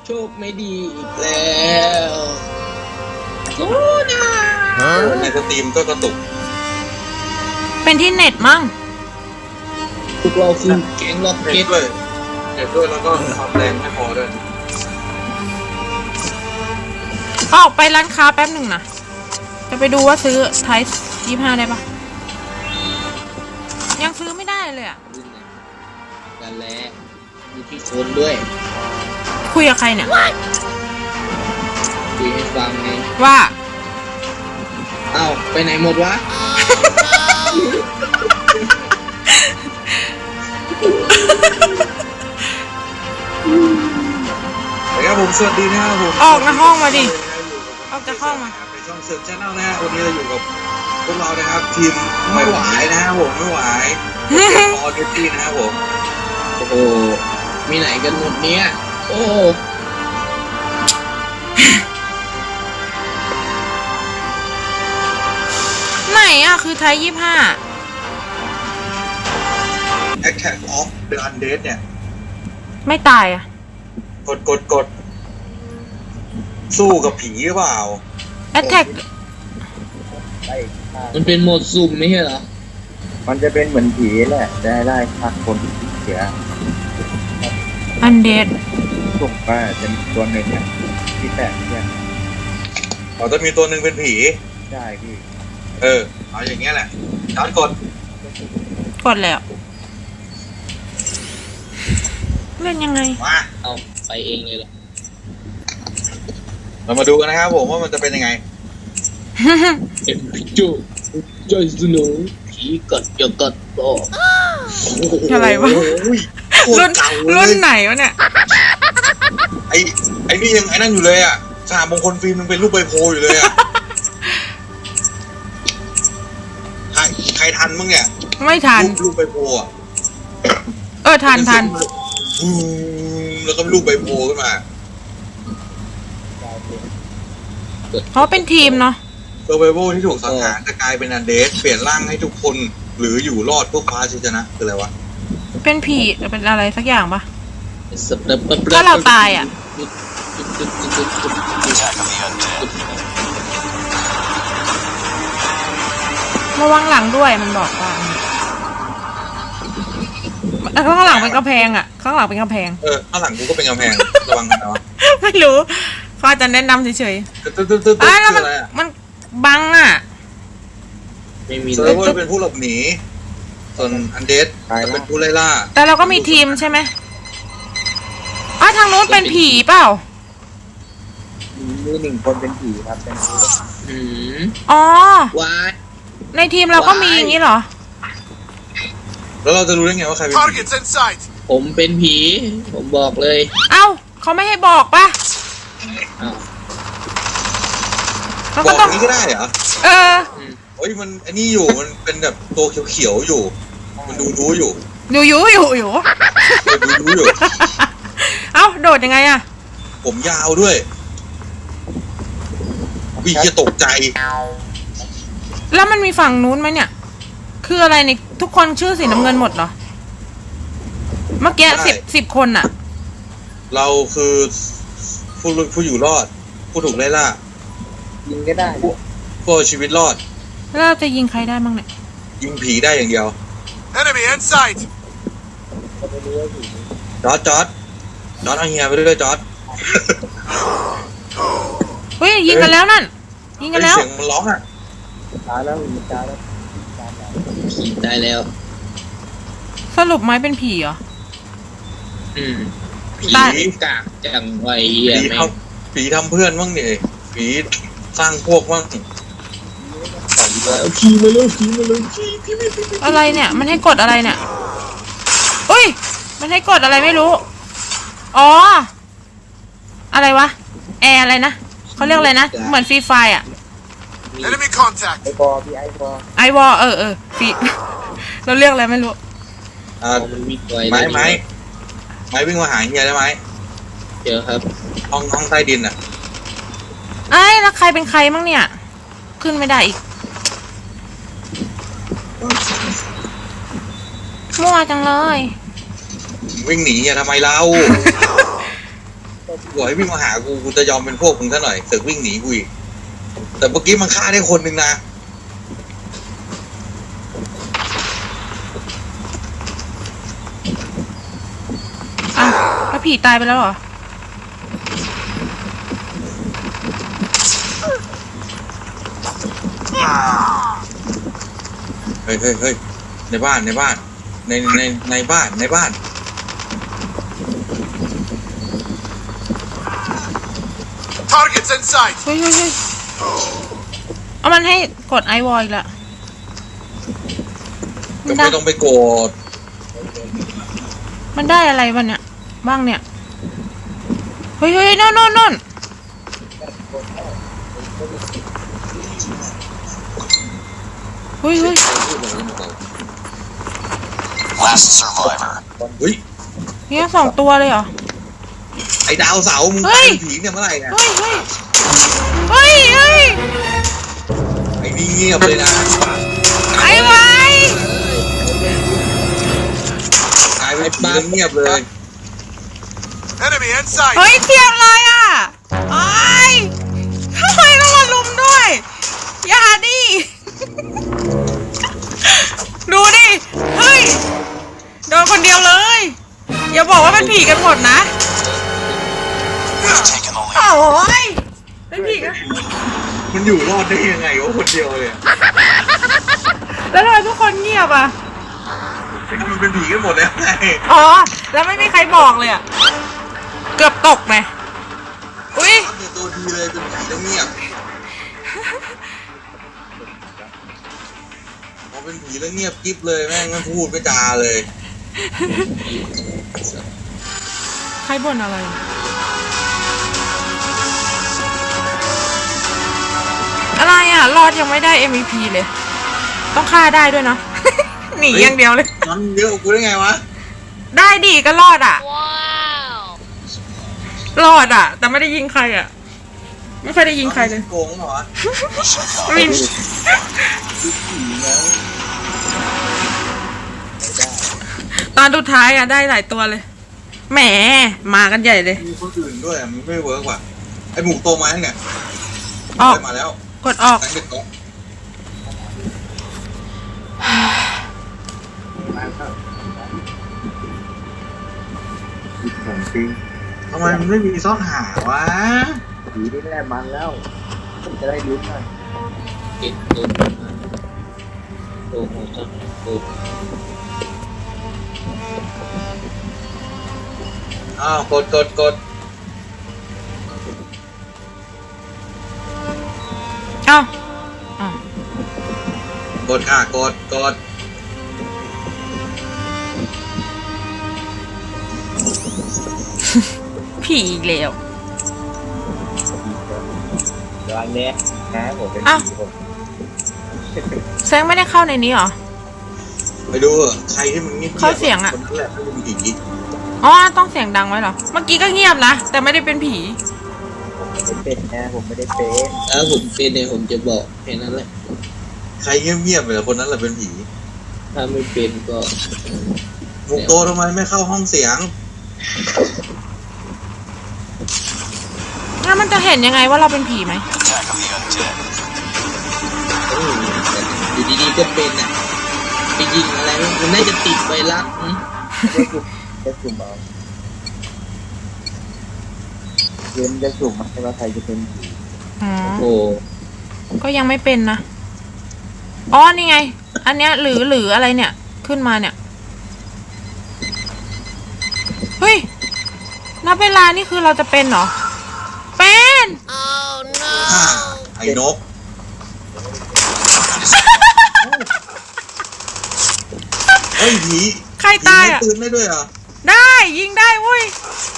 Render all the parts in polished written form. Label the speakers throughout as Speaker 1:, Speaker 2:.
Speaker 1: โชคไม่ดีอีกแล้วโอ้นะ
Speaker 2: ในสตรีมก็กระตุก
Speaker 3: เป็นที่เน็ตมั้ง
Speaker 1: พวกเราคือแก๊งล็อก
Speaker 2: เน็
Speaker 1: เก็
Speaker 2: ต
Speaker 1: ต
Speaker 2: ด้วยเน็ตด้วยแล้วก็ความแรงไม่พอด้วย
Speaker 3: ออกไปร้านค้าแป๊บหนึ่งนะจะไปดูว่าซื้อไทย25ได้ปะยังซื้อไม่ได้เลยอะ
Speaker 1: กันแล้วมีที่คนด้วย
Speaker 3: คุยกับใครเนี่ย
Speaker 1: คุยให้ฟังไง
Speaker 3: ว่า
Speaker 1: เอ้าไปไหนหมดวะ
Speaker 2: ครับผมสวัสดีนะครับผม
Speaker 3: ออกนะห้องมาดิ ออกจากห้องมา
Speaker 2: ในช่องเสิร์ฟชาแนลนะฮะวันนี้เราอยู่กับพวกเรานะครับทีมไม่ไหวนะครับผมไม่ไหวออเดตี้นะครับผม
Speaker 1: โอ้โหมีไหนกันหมดเนี้ยโอ้
Speaker 3: ไหนอะคือไทย25
Speaker 2: Attack of the Undead เนี่ย
Speaker 3: ไม่ตายอะ
Speaker 2: กดสู้กับผีหรือเปล่า
Speaker 3: แอตแทก
Speaker 1: มันเป็นโหมดสุ่มไม่ใช่เหรอ
Speaker 4: มันจะเป็นเหมือนผีแหละได้ไล่ฆ่าคนที่เสีย
Speaker 3: อันเดด
Speaker 4: สุ่มก็จะมีตัวหนึ่งอ่ะที่แตกเนี่ย
Speaker 2: เราจะมีตัวหนึ่งเป็นผี
Speaker 4: ใช่พี่
Speaker 2: เอาอย่างเงี้ยแหละจอดกด
Speaker 3: กดแล้วเล่นยังไง
Speaker 2: มา
Speaker 1: เอาไปเองเลยเหรอ
Speaker 2: เรามาดูกันนะครับผมว่ามันจะเป็นยังไง
Speaker 1: เอ็มพิจูจอยสโนผีกัดจะกัดต่อ
Speaker 3: อะไรวะ
Speaker 2: โอ้ยโคต
Speaker 3: รุ่น
Speaker 2: เก่าเลย
Speaker 3: รุ่นไหนวะเนี่ย
Speaker 2: ไอ้นี่ยังไอ้นั่นอยู่เลยอ่ะสหมงคลฟิล์มยังเป็นรูปใบโพอยู่เลยอ่ะ ใครทันมั้งเนี่ย
Speaker 3: ไม่ทัน
Speaker 2: รูปใบโพอ่ะ
Speaker 3: ทัน
Speaker 2: แล้วก็รูปใบโพขึ้นมา
Speaker 3: เพราะเป็นทีมเนาะ
Speaker 2: เซอร์ไวโวที่ถูกสังหารจะกลายเป็นอันเดสเปลี่ยนร่างให้ทุกคนหรืออยู่รอดเพื่อคว้าชัยชนะคืออะไรวะ
Speaker 3: เป็นผีเป็นอะไรสักอย่างปะ
Speaker 1: สับดับ
Speaker 3: ถ้าเราตายอะ ระวังหลังด้วยมันบอกว่าข้างหลังเป็นกำแพงอะข้างหลังเป็นกำแพง
Speaker 2: ข้างหลังกูก็เป็นกำแพงระวังกันนะวะ
Speaker 3: ไม่รู้เขาอาจจะแนะนำเฉย
Speaker 2: ตึ๊ด
Speaker 3: ๆแล้ว
Speaker 2: คืออะไรอ่ะ
Speaker 3: มันบังอะ
Speaker 1: ไม่มี
Speaker 2: เซอร์ไวโวเป็นผู้หลบหนีส่วนอันเดสจะเป็นผู้ไล่ล่า
Speaker 3: แต่เราก็มีทีมใช่ไหมทางนู้นเป็นผีเปล่า
Speaker 4: มีหนึ่งคนเป็นผีครับเป็นผี
Speaker 1: อืม
Speaker 3: อ๋อ
Speaker 1: วาย
Speaker 3: ในทีมเราก็มีอย่างนี้เหรอ
Speaker 2: แล้วเราจะรู้ได้ไงว่าใครเป็นผี
Speaker 5: Targets in sight.
Speaker 1: ผมเป็นผี ผมบอกเลย
Speaker 3: เอ้าเขาไม่ให้บอกปะ
Speaker 1: อ้าว
Speaker 3: เรา
Speaker 2: บ
Speaker 3: ก็
Speaker 2: อก
Speaker 3: ต้อง
Speaker 2: นี้ก็ได้เหรอ
Speaker 3: เออ
Speaker 2: เฮ้ยมันอันนี้อยู่มันเป็นแบบตัวเขียวๆอยู่ มันดูรู้อยู่
Speaker 3: อยู่
Speaker 2: ดูรู้อยู่
Speaker 3: เอ้าโดดยังไงอะ
Speaker 2: ผมยาวด้วยวิจะตกใจ
Speaker 3: แล้วมันมีฝั่งนู้นไหมเนี่ย คืออะไรเนี่ยทุกคนชื่อสีน้ำเงินหมดเหรอ เมื่อกี้สิบคนอะ
Speaker 2: เราคือผู้อยู่รอด ผู้ถูกไล่ล่า
Speaker 4: ยิงก็ได้นะ
Speaker 2: ผู้เอาชีวิตรอด
Speaker 3: แล้วเราจะยิงใครได้บ้างเนี่ย
Speaker 2: ยิงผีได้อย่างเดียว
Speaker 5: Enemy in sight.
Speaker 4: ก็ไม่รู้ว่าผี
Speaker 2: จอร์ดเอาเฮียไปด้วยจอร์ด
Speaker 3: เฮ้ยยิงกันแล้วนั่น ยิงกันแล้ว
Speaker 2: เสียงมันร้องอ่ะ
Speaker 4: ตายแล้วมีตายแล้วตายแล้ว
Speaker 1: ผีตายแล้ว
Speaker 3: สรุปไหมเป็นผีเหรอ
Speaker 1: อืมผี
Speaker 3: ตาย
Speaker 1: กากจังไวเฮีย
Speaker 2: ผี
Speaker 1: แม่
Speaker 2: ทำผีทำเพื่อนบ้างดิผีสร้างพวกบ้าง
Speaker 1: ผีมาเลยผีมาเลย
Speaker 3: อะไรเนี่ย มันให้กดอะไรเนี่ยอุ้ย มันให้กดอะไรไม่รู้ อ๋อ อะไรวะ แอร์อะไรนะ เขาเรียกอะไรนะ เหมือนฟรีไฟอะ
Speaker 5: Enemy contact.
Speaker 4: ไอบอพี่ไอบอ
Speaker 3: ไอวอฟรี เราเรียกอะไรไม่รู้
Speaker 1: มันวิ่งไว
Speaker 2: ไม้วิ่งมาหาเฮียได้ไหม
Speaker 1: เจอครับ
Speaker 2: ห้องใต้ดินอ่ะ
Speaker 3: ไอ้แล้วใครเป็นใครมั่งเนี่ย ขึ้นไม่ได้อีก มั่วจังเลย
Speaker 2: วิ่งหนีอย่าทำไมเรา
Speaker 4: ตัว
Speaker 2: บอกให้วิ่งมาหากูจะยอมเป็นพวกมึงซะหน่อยเสือกวิ่งหนีกูอีกแต่เมื่อกี้มันฆ่าได้คนหนึ่งนะ
Speaker 3: อ้าวแล้วผีตายไปแล้วเหรอ
Speaker 2: เฮ้ยในบ้านในบ้าน
Speaker 5: Targets in sight.
Speaker 3: เฮ้ยเอามันให้กดไอวอลอีกละ
Speaker 2: ก็ไม่ต้องไปโกรธ
Speaker 3: มันได้อะไรบ้างเนี่ยเฮ้ยโน่นเฮ้ย
Speaker 5: Last survivor.
Speaker 2: เฮ้ย
Speaker 3: เนี่ย2 ตัวเลยเหรอ
Speaker 2: ไอ้ดาวเสาร์มึง
Speaker 3: เฮ้
Speaker 2: ตาย
Speaker 3: ย
Speaker 2: เป็นผีเนี่ยเมื่อไหร่เนี่ย
Speaker 3: เฮ้ย
Speaker 2: ไอ้นี่เงียบเลยนะ
Speaker 3: ไอ้ไว้
Speaker 2: กลายเป็นผีเงียบเลย
Speaker 5: Enemy in sight.
Speaker 3: เฮ้ยเทียบเลยอ่ะไอ้ทำไมต้องมาลุมด้วย อย่าดิ ดูดิ เฮ้ย โดนคนเดียวเลย อย่าบอกว่าเป็นผีกันหมดนะ
Speaker 5: We've taken the lead.
Speaker 3: โอ้ยเป็นผีกัน
Speaker 2: มันอยู่รอดได้ยังไงวะคนเดียวเลย
Speaker 3: แล้วทำไมทุกคนเงียบอ่ะ
Speaker 2: มันเป็นผีกันหมดแล้วไง
Speaker 3: อ๋อ แล้วไม่มีใครบอกเลยอ่ะ เกือบตกไงอุ้ย
Speaker 2: เนี่ยตัวดีเลยเป็นผีแล้วเงียบพอเป็นผีแล้วเงียบกิ๊บเลยแม่งไม่พูดไม่จาเลย
Speaker 3: ใครบ่นอะไร อะไรอ่ะ รอดยังไม่ได้ MVP เลย ต้องฆ่าได้ด้วยเนาะ หนีอย่างเดียวเลย
Speaker 2: มันเยอะกว่ากูได้ไงวะ
Speaker 3: ได้ดิก็รอดอ่ะ รอดอ่ะ แต่ไม่ได้ยิงใครอ่ะ ไม่ค่อยได้ยิงใครเลย
Speaker 2: โกงเหรอ
Speaker 3: ไม่มีตอนสุดท้ายอ่ะได้หลายตัวเลย แหม มากันใหญ่เลย
Speaker 2: มีคนอื่นด้วยมันไม่เวิร์กว่ะไอหมูโตมาเนี่ย
Speaker 3: ออก
Speaker 2: มาแล้ว
Speaker 3: กดออก
Speaker 2: แสงเด็กก่อน
Speaker 4: ของจริง
Speaker 2: ทำไมมันไม่มีซ่อนหาวะ
Speaker 4: ผีนี่แหละมันแล้วจะได้ลุ้นหน่อย
Speaker 1: เก็บตัวหัวจับตัว
Speaker 2: อ้าวกด
Speaker 3: เอ้าอ้าว
Speaker 2: กดค่ะกด
Speaker 3: ผีอีกแล้ว
Speaker 4: เดี๋ยวอันเนี้ยนะผมเป็น
Speaker 3: อ้าว
Speaker 4: ผีผม
Speaker 3: แซงไม่ได้เข้าในนี้เหรอ
Speaker 2: ไปดูเถอะใครที่มันเงียบๆ
Speaker 3: เข้าเสียงอะ
Speaker 2: คนนั้นแหละไม่เป็นผี
Speaker 3: อ๋อ ต้องเสียงดังไว้เหรอ เมื่อกี้ก็เงียบนะ แต่ไม่ได้เป็นผี
Speaker 4: ไม่เป็นนะผมไม่ได้เป็น
Speaker 1: ถ้าผมเป็นเนี่ยผมจะบอกแค่นั้นแหละ
Speaker 2: ใครเงียบๆเลยคนนั้นแหละเป็นผี
Speaker 1: ถ้าไม่เป็นก็
Speaker 2: หมูโตทำไมไม่เข้าห้องเสียง
Speaker 3: งั้นมันจะเห็นยังไงว่าเราเป็นผีไหม
Speaker 5: Attack of the undead.
Speaker 1: อยู่ดีๆก็เป็นอ่ะไปยิงอะไรมันน่าจะติดไวรัส
Speaker 4: จะสุ่มเอาเกมจะสุ่มมาให้ว่าใครจะเป็นผี
Speaker 3: อ๋อ
Speaker 1: โอ้
Speaker 3: ก็ยังไม่เป็นนะ อ๋อ นี่ไง อันเนี้ยหรืออะไรเนี่ย ขึ้นมาเนี่ย เฮ้ย นับเวลานี่คือเราจะเป็นเหรอ เป็น
Speaker 2: ไอ้นกเฮ้ยผี
Speaker 3: ใครตายอ่ะ
Speaker 2: ผีให้ปืนได้ด้วยเหรอ
Speaker 3: ได้ยิงได้เว้ย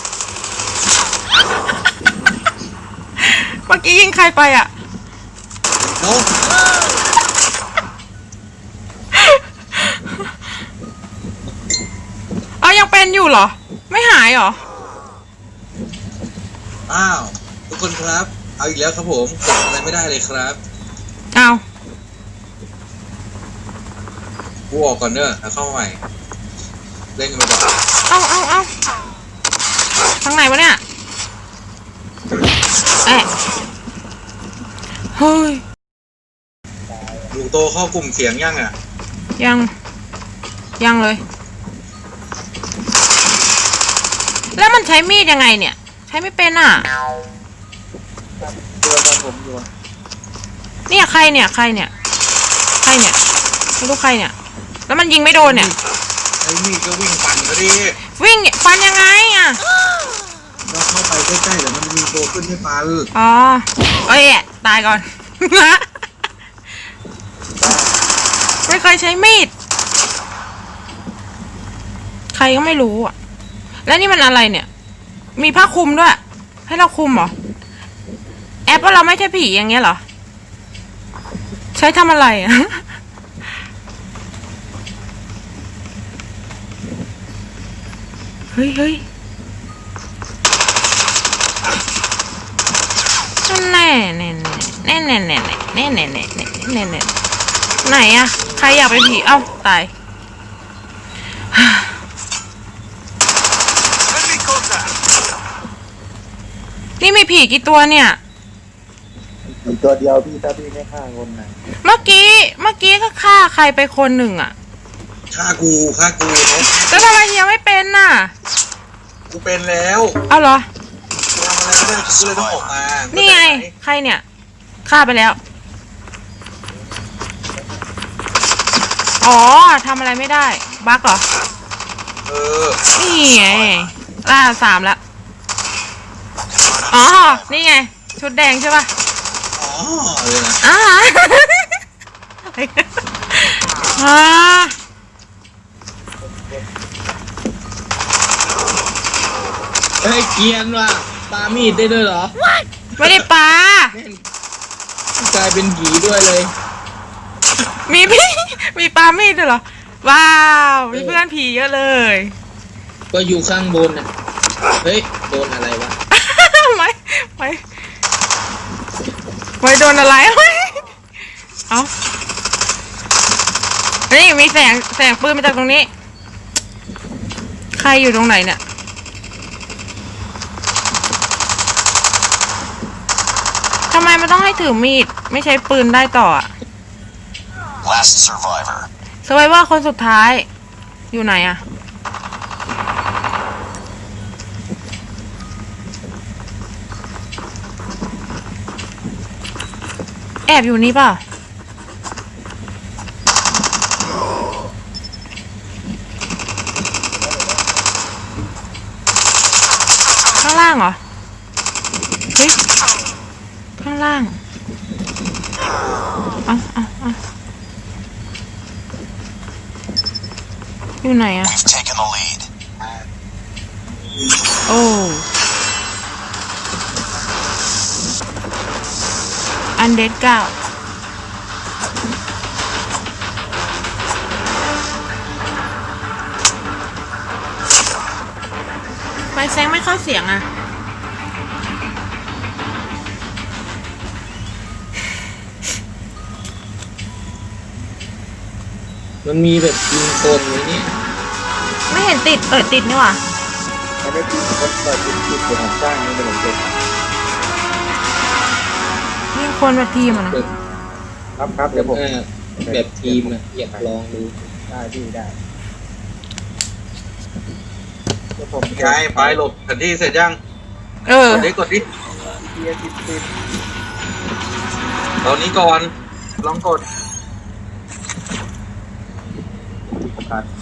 Speaker 3: เมื่อกี้ยิงใครไปอ่ะ
Speaker 2: นก
Speaker 3: เอายังเป็นอยู่เหรอ ไม่หายเหรอ
Speaker 2: อ้าวทุกคนครับ เอาอีกแล้วครับผมกดอะไรไม่ได้เลยครับ
Speaker 3: เอา
Speaker 2: กูออกก่อนเนอะแล้วเข้ามาใหม่เล่นกันไปก่อน
Speaker 3: เอาทางไหนวะเนี่ยแอะเฮ้ย
Speaker 2: ลูกโตเข้ากลุ่มเสียงยังอ่ะ
Speaker 3: ยังเลย แล้วมันใช้มีดยังไงเนี่ย ใช้ไม่เป็นอ่ะ
Speaker 4: ตัวตอนผมอยู่
Speaker 3: เนี่ยใครเนี่ยไม่รู้ใครเนี่ย แล้วมันยิงไม่โดนเนี่ย
Speaker 2: ไอ้นี่ก็วิ่งปั่นก็ดิ
Speaker 3: วิ่งฟันยังไงอ่ะ
Speaker 2: เราเข้าไปใกล้ๆเดี๋ยวมันจะมีตัวขึ้นให้ปัน
Speaker 3: อ๋อเอ้ยตายก่อน ไม่เคยใช้มีด ใครก็ไม่รู้อ่ะ แล้วนี่มันอะไรเนี่ย มีผ้าคลุมด้วย ให้เราคลุมเหรอ แอปว่าเราไม่ใช่ผีอย่างเงี้ยเหรอ ใช้ทำอะไรอ่ะ เฮ้ยแน่ไหนอะใครอยากเป็นผีเอ้าตาย
Speaker 5: Enemy contact.
Speaker 3: นี่มีผีกี่ตัวเนี่ย
Speaker 4: มีตัวเดียวพี่ถ้าพี่ไม่ฆ่าคนนะ
Speaker 3: เมื่อกี้ก็ฆ่าใครไปคนหนึ่งอะ
Speaker 2: ฆ่ากูเนาะ
Speaker 3: แล้วทำไมเฮียไม่เป็นน่ะ
Speaker 2: กูเป็นแล้ว
Speaker 3: เอาเหรอ
Speaker 2: กูทำอะไรไม่ได้กูเลยต้องออกมา
Speaker 3: นี่ไง ใครเนี่ยฆ่าไปแล้ว อ๋อทำอะไรไม่ได้ บั๊กเหรอ
Speaker 2: เออ
Speaker 3: นี่ไงล่า3แล้ว อ๋อ นี่ไง ชุดแดงใช่ป่ะ
Speaker 2: อ๋อเลยนะ
Speaker 3: อ่า อ่า
Speaker 1: เฮ้ยเกรียนว่ะปามีดได้ด้วยเหรอ
Speaker 3: ไม่ได้ปลา
Speaker 1: แม่งกลายเป็นผีด้วยเลย
Speaker 3: มีพี่ มีปลามีดด้วยเหรอ ว้าว มีเพื่อนผีเยอะเลย
Speaker 1: ก็อยู่ข้างบนน่ะ เฮ้ย โดนอะไรวะ
Speaker 3: ไม่โดนอะไร เอานี่มีแสงปืนมาจากตรงนี้ ใครอยู่ตรงไหนเนี่ย ทำไมมันต้องให้ถือมีด ไม่ใช้ปืนได้ต่ออะ
Speaker 5: Last survivor.
Speaker 3: สไวเวอร์คนสุดท้าย อยู่ไหนอะแอบอยู่นี่เปล่าข้างล่างเหรอ เฮ้ย ข้างล่าง เอาอยู่ไหนอะ
Speaker 5: We've taken the lead.
Speaker 3: โอ้อันเดด9ไฟแซงไม่เข้าเสียงอะ
Speaker 1: มันมีแบบยิงคนไว้เนี่ย
Speaker 3: ไม่เห็นติดติดนี่หว่า
Speaker 4: ไม่ได้กินคนเปิดกินเดี๋ยวผมสร้างนี่เดี๋ยวผมเก็บ
Speaker 3: นี่คนแบบทีมอะนะ
Speaker 4: ครับเดี๋ยวผม
Speaker 1: แบบทีมอ่ะ อยากลองดู
Speaker 4: ได้พี่ได้เดี๋ยวผม
Speaker 2: ไงไปหลบแผนที่เสร็จยัง
Speaker 3: เออ
Speaker 2: กดดิ
Speaker 4: เทียร์10
Speaker 2: ตอนนี้ก่อนลองกด
Speaker 4: ครับ